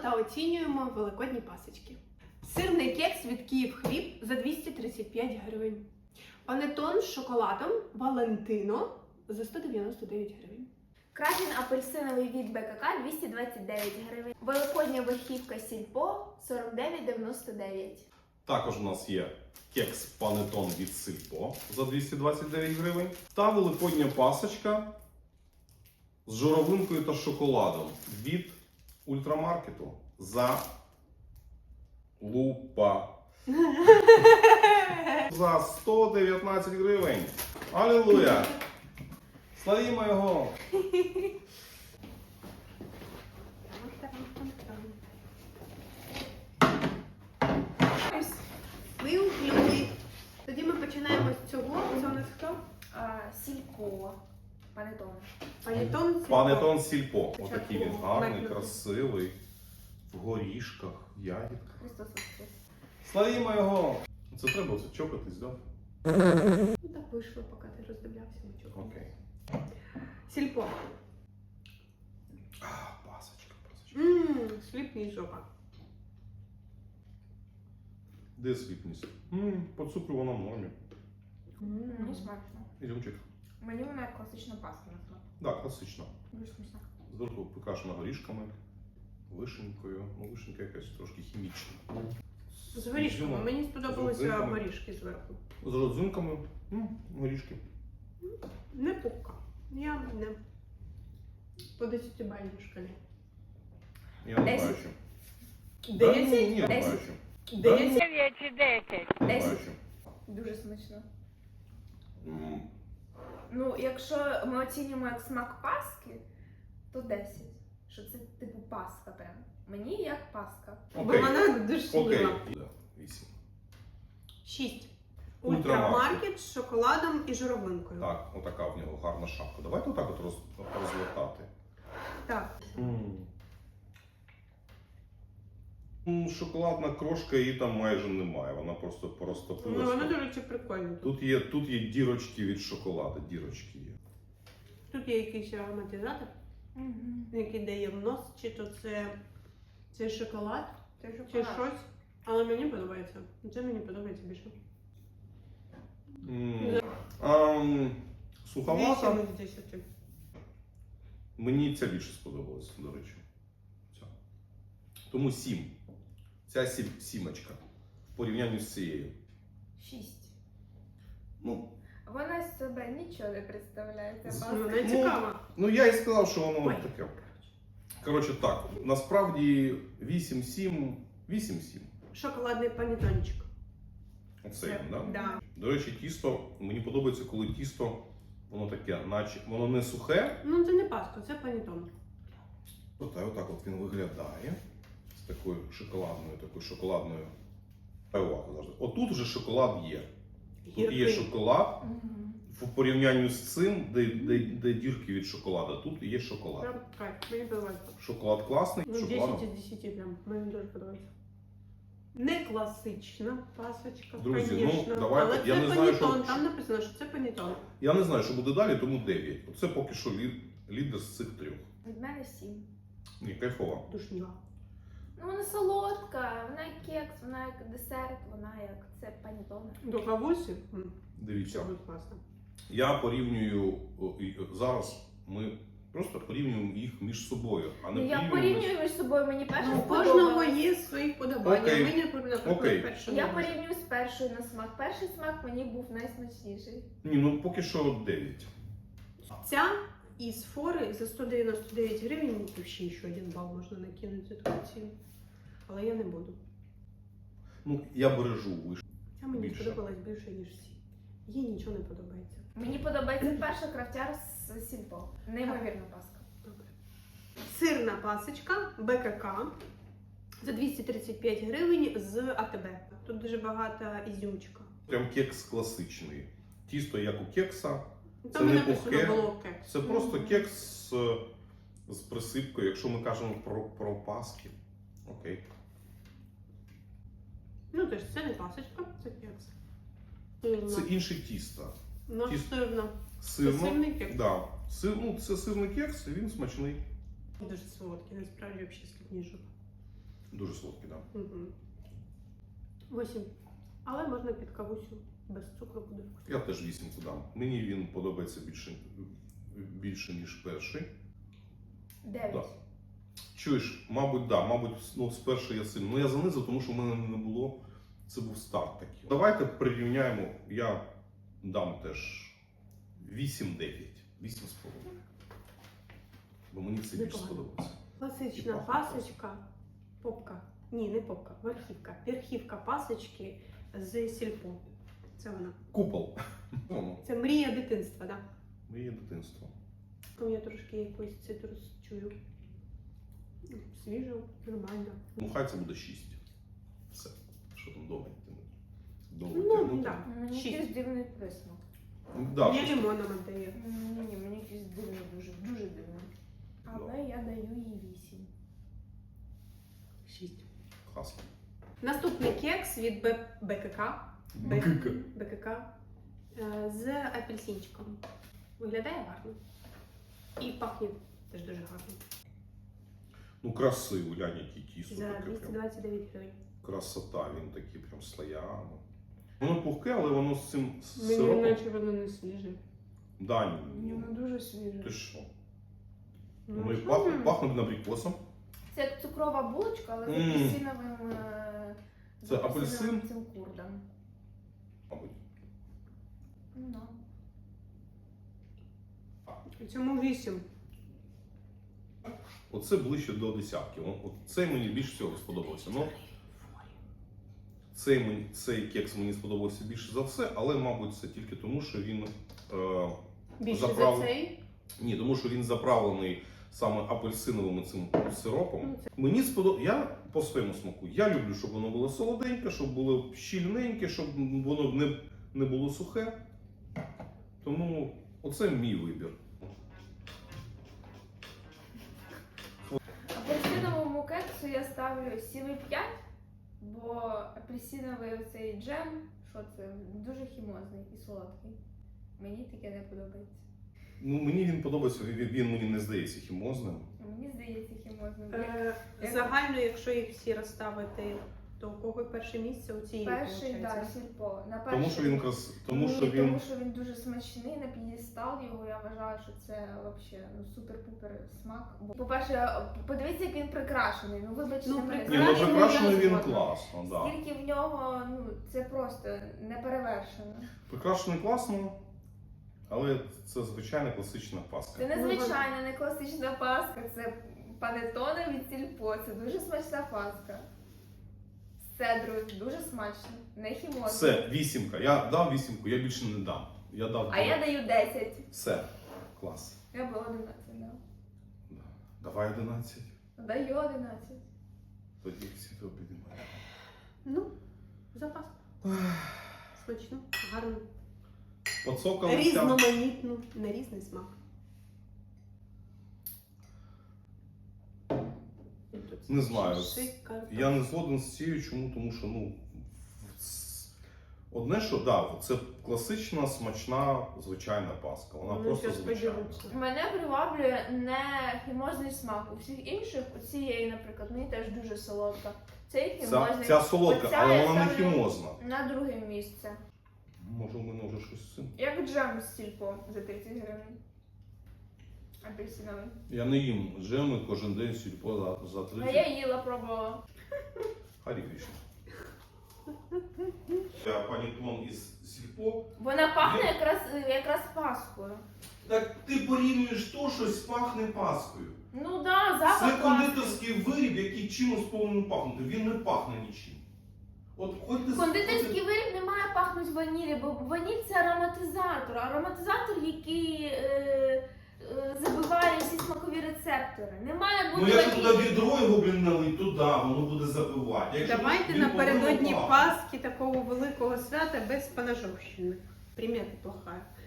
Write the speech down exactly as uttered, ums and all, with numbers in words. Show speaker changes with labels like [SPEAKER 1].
[SPEAKER 1] та оцінюємо великодні пасочки. Сирний кекс від Київ Хліб за двісті тридцять п'ять гривень. Панетон з шоколадом Валентино за сто дев'яносто дев'ять гривень.
[SPEAKER 2] Крафін апельсиновий від БКК двісті двадцять дев'ять гривень. Великодня верхівка Сільпо сорок дев'ять дев'яносто дев'ять.
[SPEAKER 3] Також у нас є кекс панетон від Сільпо за двісті двадцять дев'ять гривень. Та великодня пасочка з журавлинкою та шоколадом від ультрамаркету за лупа. За сто дев'ятнадцять гривень. Алілуя! Славімо його!
[SPEAKER 1] Ви уклюли. Тоді ми починаємо з цього. Це у нас хто?
[SPEAKER 2] А, Сільпо. Панетон.
[SPEAKER 1] Панетон Сільпо.
[SPEAKER 3] Панетон Сільпо. Отакий він
[SPEAKER 1] Спочатку
[SPEAKER 3] гарний,
[SPEAKER 1] майонез.
[SPEAKER 3] красивий. В горішках, ягідках.
[SPEAKER 2] Христос Воскрес.
[SPEAKER 3] Славімо його! Це треба оце чокатись, да?
[SPEAKER 1] Ну так вийшло, поки ти роздивлявся нічого.
[SPEAKER 3] Окей.
[SPEAKER 1] Сільпо.
[SPEAKER 3] А, пасочка, пасочка.
[SPEAKER 1] Ммм, сліпний жопа.
[SPEAKER 3] Де сліпність? Ммм, по цукру вона в нормі.
[SPEAKER 2] Мені смачно.
[SPEAKER 3] Ізюмчик.
[SPEAKER 2] Мені вона як класична паста на смак.
[SPEAKER 3] Так, класично.
[SPEAKER 2] Дуже смачна.
[SPEAKER 3] Зверху прикрашена горішками, вишенькою. Ну, вишенька якась трошки хімічна.
[SPEAKER 1] З горішками.
[SPEAKER 3] Ізюмом.
[SPEAKER 1] Мені сподобалися
[SPEAKER 3] родзинками.
[SPEAKER 1] горішки зверху.
[SPEAKER 3] З родзинками. М, горішки.
[SPEAKER 1] Не пупка. Я не. По десятибальній шкалі.
[SPEAKER 3] Я не
[SPEAKER 2] Десять.
[SPEAKER 3] бачу. Да, ні,
[SPEAKER 1] Десять?
[SPEAKER 3] ні, не
[SPEAKER 2] Десять.
[SPEAKER 3] бачу.
[SPEAKER 1] Десять.
[SPEAKER 4] дев'ять чи десять.
[SPEAKER 3] Не
[SPEAKER 2] Десять.
[SPEAKER 3] бачу.
[SPEAKER 2] Дуже смачно.
[SPEAKER 3] М,
[SPEAKER 2] Ну, якщо ми оцінюємо як смак паски, то десять. Що це типу паска прям. Мені як паска.
[SPEAKER 1] Бо
[SPEAKER 3] Окей.
[SPEAKER 1] мене душніла.
[SPEAKER 3] Окей. Да, вісім.
[SPEAKER 1] Шість.
[SPEAKER 3] Ультрамаркет.
[SPEAKER 1] Ультрамаркет з шоколадом і журавлинкою.
[SPEAKER 3] Так, отака в нього гарна шапка. Давайте отак от роз, розвертати.
[SPEAKER 1] Так.
[SPEAKER 3] М, Шоколадна крошка, її там майже немає. Вона просто
[SPEAKER 1] Ну,
[SPEAKER 3] порозтопилася.
[SPEAKER 1] воно, до речі, прикольно.
[SPEAKER 3] Тут є, тут є дірочки від шоколаду, дірочки є.
[SPEAKER 1] Тут є якийсь ароматизатор,
[SPEAKER 2] Угу.
[SPEAKER 1] який дає в нос, чи то це, це шоколад,
[SPEAKER 2] Це
[SPEAKER 1] чи
[SPEAKER 2] шоколад.
[SPEAKER 1] щось. Але мені подобається. Це мені подобається більше.
[SPEAKER 3] М, ам, Суховата.
[SPEAKER 1] Вісім з десяти.
[SPEAKER 3] Мені ця більше сподобалась, до речі. Ця. Тому сім. Ця сім, сімочка в порівнянні з цією.
[SPEAKER 2] Шість.
[SPEAKER 3] Ну,
[SPEAKER 2] Вона з себе нічого не представляє. Ця
[SPEAKER 3] З-
[SPEAKER 2] паска.
[SPEAKER 1] Вона цікава.
[SPEAKER 3] ну я і сказав, що воно
[SPEAKER 1] Ой.
[SPEAKER 3] таке. Коротше так, насправді вісім сім, вісім сім.
[SPEAKER 1] Шоколадний панетончик.
[SPEAKER 3] Оце він, да?
[SPEAKER 1] Да.
[SPEAKER 3] До речі, тісто, мені подобається, коли тісто, воно таке, наче, воно не сухе.
[SPEAKER 1] Ну це не паста, це панетон.
[SPEAKER 3] От, отак от він виглядає. З такою шоколадною, такою шоколадною. Увагу завжди. Отут вже шоколад є. Тут є
[SPEAKER 1] Гіркий.
[SPEAKER 3] шоколад
[SPEAKER 2] Мгм.
[SPEAKER 3] в порівнянні з цим, де, де, де дірки від шоколада. Тут є шоколад.
[SPEAKER 1] Прям кайф, мені подобається.
[SPEAKER 3] Шоколад класний,
[SPEAKER 1] Ну,
[SPEAKER 3] шоколад.
[SPEAKER 1] десять із десяти прям, мені дуже подобається. Не класична пасочка,
[SPEAKER 3] Друзі, ну,
[SPEAKER 1] звісно.
[SPEAKER 3] давайте,
[SPEAKER 1] Але
[SPEAKER 3] я
[SPEAKER 1] це
[SPEAKER 3] не знаю,
[SPEAKER 1] панетон,
[SPEAKER 3] що-
[SPEAKER 1] там написано, що це панетон.
[SPEAKER 3] Я не знаю, що буде далі, тому дев'ять. Оце поки що лід, лідер з цих трьох.
[SPEAKER 2] Від мене сім.
[SPEAKER 3] Ні, кайфова.
[SPEAKER 1] Душніла.
[SPEAKER 2] Ну вона солодка, вона як кекс, вона як десерт, вона як це панетон.
[SPEAKER 1] До кавусі. М,
[SPEAKER 3] Дивіться.
[SPEAKER 1] Це буде класно.
[SPEAKER 3] Я порівнюю о, і, е, зараз. Ми просто порівнюємо їх між собою, а не
[SPEAKER 2] Ну я
[SPEAKER 3] порівнюємо.
[SPEAKER 2] порівнюю між собою, мені перша
[SPEAKER 1] Ну, у кожного
[SPEAKER 2] сподобалась.
[SPEAKER 1] є свої вподобання.
[SPEAKER 3] Окей.
[SPEAKER 1] Мені, наприклад,
[SPEAKER 3] Окей.
[SPEAKER 1] перше
[SPEAKER 2] Я
[SPEAKER 1] не
[SPEAKER 2] порівнюю з першою на смак. Перший смак мені був найсмачніший.
[SPEAKER 3] Ні, ну поки що дев'ять.
[SPEAKER 1] Ця із фори за сто дев'яносто дев'ять гривень, і ще ще один бал можна накинути за таку ціну. Але я не буду.
[SPEAKER 3] Ну, я бережу вишню.
[SPEAKER 1] Ця мені
[SPEAKER 3] Більше.
[SPEAKER 1] сподобалась більше, ніж всі. Їй нічого не подобається.
[SPEAKER 2] Мені подобається перша крафтяр з Сільпо. Неймовірна паска.
[SPEAKER 1] Добре. Сирна пасочка БКК за двісті тридцять п'ять гривень з АТБ. Тут дуже багато ізюмчика.
[SPEAKER 3] Прям кекс класичний. Тісто як у кекса. Це
[SPEAKER 1] Там
[SPEAKER 3] не
[SPEAKER 1] написано
[SPEAKER 3] пухке.
[SPEAKER 1] було кекс.
[SPEAKER 3] Це просто кекс з, з присипкою, якщо ми кажемо про, про паски. Окей.
[SPEAKER 1] Ну, тож це не пасочка, це кекс. Сирна.
[SPEAKER 3] Це інше тісто.
[SPEAKER 1] Ну,
[SPEAKER 3] тісто.
[SPEAKER 1] сирна.
[SPEAKER 3] Сирно.
[SPEAKER 1] Це сирний кекс.
[SPEAKER 3] Да. Сир, ну, це сирний кекс, і він смачний.
[SPEAKER 1] Дуже солодкий, насправді взагалі сліпні жопа.
[SPEAKER 3] Дуже солодкий, так. Да.
[SPEAKER 1] Угу. Восім. Але можна під кавусю. Без цукру буде вкусно.
[SPEAKER 3] Я теж вісімку дам. Мені він подобається більше, більше ніж перший.
[SPEAKER 2] Дев'ять.
[SPEAKER 3] Да. Чуєш, мабуть, да, мабуть, ну, спершу я сильно. Ну я занизив, тому що в мене не було. Це був старт такий. Давайте прирівняємо. Я дам теж вісім-дев'ять. вісім з половиною. Бо мені це більше
[SPEAKER 1] Непогано.
[SPEAKER 3] сподобалося.
[SPEAKER 1] Класична
[SPEAKER 3] І пахне
[SPEAKER 1] пасочка. Попка. Ні, не попка, верхівка. Верхівка пасочки з сільпо. Це вона.
[SPEAKER 3] Купол. Ну,
[SPEAKER 1] Це мрія дитинства, так?
[SPEAKER 3] моє дитинство.
[SPEAKER 1] Да? Я трошки якийсь цитрус чую. Свіжо, нормально.
[SPEAKER 3] Ну, хай це буде шість. Все. Що там довго тягнути? Довго
[SPEAKER 1] Ну,
[SPEAKER 3] тягнути.
[SPEAKER 1] так.
[SPEAKER 2] Мені
[SPEAKER 1] Шість.
[SPEAKER 2] якийсь дивний присмак.
[SPEAKER 3] Да,
[SPEAKER 1] Мені
[SPEAKER 3] щось-
[SPEAKER 1] лимоном віддає.
[SPEAKER 2] Ні, мені якийсь дивний, дуже, дуже дивний. Але я даю їй вісім.
[SPEAKER 1] Шість.
[SPEAKER 3] Класно.
[SPEAKER 1] Наступний кекс від Б- БКК. Б-
[SPEAKER 3] Б-ка-ка.
[SPEAKER 1] БКК е, з апельсинчиком. Виглядає гарно. І пахне теж дуже гарно.
[SPEAKER 3] Ну, красиво, глянь, який тісто.
[SPEAKER 1] За
[SPEAKER 3] таке
[SPEAKER 1] двісті
[SPEAKER 3] прям.
[SPEAKER 1] двадцять дев'ять гривень.
[SPEAKER 3] Красота, він такий прям слоями. Воно пухке, але воно з цим з
[SPEAKER 1] Мені
[SPEAKER 3] сиропом.
[SPEAKER 1] наче воно не свіже.
[SPEAKER 3] Да, ні,
[SPEAKER 2] Ні,
[SPEAKER 3] ну,
[SPEAKER 2] воно дуже свіже.
[SPEAKER 3] ти що?
[SPEAKER 1] Ну,
[SPEAKER 3] Воно і
[SPEAKER 1] що
[SPEAKER 3] пахне,
[SPEAKER 1] ви?
[SPEAKER 3] пахне абрикосом.
[SPEAKER 2] Це як цукрова булочка, але з
[SPEAKER 3] Мм.
[SPEAKER 2] апельсиновим, е, з
[SPEAKER 3] Це
[SPEAKER 2] апельсиновим
[SPEAKER 3] апельсин?
[SPEAKER 2] цим курдом.
[SPEAKER 3] Мабуть.
[SPEAKER 2] Ну, да.
[SPEAKER 1] Цьому вісім.
[SPEAKER 3] Оце ближче до десятки. О, От цей мені більше всього сподобався. Ну, цей, мені- цей кекс мені сподобався більше за все, але, мабуть, це тільки тому, що він. Е,
[SPEAKER 1] Більше
[SPEAKER 3] Заправ-
[SPEAKER 1] за цей.
[SPEAKER 3] ні, тому що він заправлений саме апельсиновим цим сиропом.
[SPEAKER 1] Ну, це-
[SPEAKER 3] Мені сподобалося, я по своєму смаку. Я люблю, щоб воно було солоденьке, щоб було щільненьке, щоб воно не, не було сухе. Тому оце мій вибір.
[SPEAKER 2] Апельсиновому кексу я ставлю сім і п'ять, бо апельсиновий цей джем, що це, дуже хімозний і солодкий. Мені таке не подобається.
[SPEAKER 3] Ну, мені він подобається, він, він мені не здається хімозним.
[SPEAKER 2] А мені здається хімозним.
[SPEAKER 1] Е,
[SPEAKER 2] Як-
[SPEAKER 1] Загально, якщо їх всі розставити, то у кого перше місце у цієї
[SPEAKER 2] Перший,
[SPEAKER 1] виходить?
[SPEAKER 2] так, сільпо. На
[SPEAKER 3] Тому що
[SPEAKER 2] перший-
[SPEAKER 3] він крас... тому,
[SPEAKER 2] Ні,
[SPEAKER 3] що він.
[SPEAKER 2] тому що він дуже смачний, на п'єдестал його, я вважаю, що це взагалі ну, супер-пупер смак. Бо, По-перше, подивіться, як він прикрашений. Ну, вибачте,
[SPEAKER 1] Ну,
[SPEAKER 2] мене.
[SPEAKER 3] Ні, ну
[SPEAKER 1] Прикрашений
[SPEAKER 3] прикрашений
[SPEAKER 2] я
[SPEAKER 3] він
[SPEAKER 2] згодна.
[SPEAKER 3] класно, да.
[SPEAKER 2] Скільки в нього, ну, це просто неперевершено.
[SPEAKER 3] Прикрашений класно, але це звичайна класична паска.
[SPEAKER 2] Це незвичайна, не класична паска, це панетоне від сільпо, це дуже смачна паска. З цедрою, дуже смачно, не хімозно.
[SPEAKER 3] Все, вісімка. Я дав вісімку, я більше не дам. Я дав.
[SPEAKER 2] А я даю десять.
[SPEAKER 3] Все, клас.
[SPEAKER 2] Я би одинадцять дав.
[SPEAKER 3] Да. Давай одинадцять.
[SPEAKER 2] Даю одинадцять.
[SPEAKER 3] Тоді всі то піднімаємо.
[SPEAKER 1] Ну, запас. Смачно, гарно.
[SPEAKER 3] Поцокалися.
[SPEAKER 1] Різноманітно, на різний смак.
[SPEAKER 3] Не знаю.
[SPEAKER 1] Шикарно.
[SPEAKER 3] Я не згоден з цією, чому? Тому що, ну, с- одне, що да, це класична, смачна, звичайна паска. Вона
[SPEAKER 1] Ну,
[SPEAKER 3] просто
[SPEAKER 1] щас
[SPEAKER 3] звичайна.
[SPEAKER 1] поділимося.
[SPEAKER 2] Мене приваблює не хімозний смак. У всіх інших, у цієї, наприклад, мені теж дуже солодка. Цей
[SPEAKER 3] Ця,
[SPEAKER 2] хімозний.
[SPEAKER 3] ця солодка,
[SPEAKER 2] Оця
[SPEAKER 3] але
[SPEAKER 2] я
[SPEAKER 3] вона не
[SPEAKER 2] ставлю
[SPEAKER 3] хімозна.
[SPEAKER 2] На друге місце.
[SPEAKER 3] Може, у мене вже щось з цим.
[SPEAKER 2] Як джем з сільпо за тридцять гривень. Апельсиновий.
[SPEAKER 3] Я не їм джеми кожен день сільпо за, за
[SPEAKER 2] А
[SPEAKER 3] тридцять.
[SPEAKER 2] я їла, пробувала.
[SPEAKER 3] Харі Кришна. Я панітон із сільпо.
[SPEAKER 2] Вона пахне якраз, якраз паскою.
[SPEAKER 3] Так ти порівнюєш то, щось пахне паскою.
[SPEAKER 2] Ну да, запах
[SPEAKER 3] Це
[SPEAKER 2] паски.
[SPEAKER 3] кондитерський виріб, який чимось повинен пахнути. Він не пахне нічим. От хоч ти
[SPEAKER 2] Кондитерський виріб не має пахнути ванілі, бо ваніль це ароматизатор. Ароматизатор, який е, е, забиває всі смакові рецептори. Не має
[SPEAKER 3] Ну
[SPEAKER 2] бути
[SPEAKER 3] якщо
[SPEAKER 2] ванілі.
[SPEAKER 3] туди відро його блін налить, то да, воно буде забивати. Якщо
[SPEAKER 1] Давайте
[SPEAKER 3] він
[SPEAKER 1] напередодні
[SPEAKER 3] повинен пахнути.
[SPEAKER 1] Пасхи такого великого свята без поножовщини. Примета плохая.